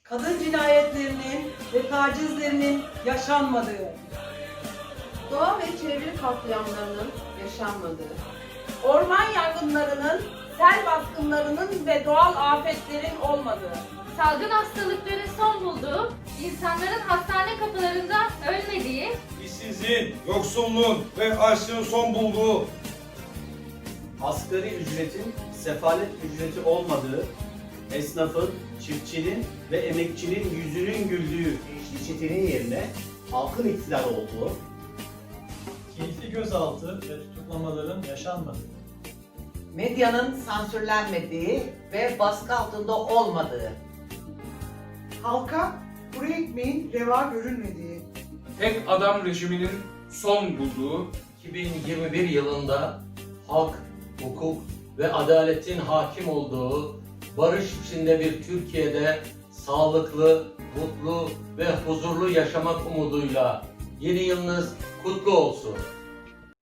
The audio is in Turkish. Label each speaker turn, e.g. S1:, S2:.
S1: kadın cinayetlerinin ve tacizlerinin yaşanmadığı,
S2: Doğa ve çevre katliamlarının yaşanmadığı,
S3: orman yangınlarının, sel baskınlarının ve doğal afetlerin olmadığı,
S4: salgın hastalıkların son bulduğu, insanların hastane kapılarında ölmediği,
S5: İşsizliğin, yoksulluğun ve açlığın son bulduğu,
S6: asgari ücretin sefalet ücreti olmadığı, esnafın, çiftçinin ve emekçinin yüzünün güldüğü gençlik çetenin yerine halkın iktidar olduğu,
S7: keyifli gözaltı ve tutuklamaların yaşanmadığı,
S8: medyanın sansürlenmediği ve baskı altında olmadığı,
S9: halka kuru ekmeğin reva görülmediği,
S10: tek adam rejiminin son bulduğu,
S11: 2021 yılında hak, hukuk ve adaletin hakim olduğu, barış içinde bir Türkiye'de sağlıklı, mutlu ve huzurlu yaşamak umuduyla yeni yılınız kutlu olsun.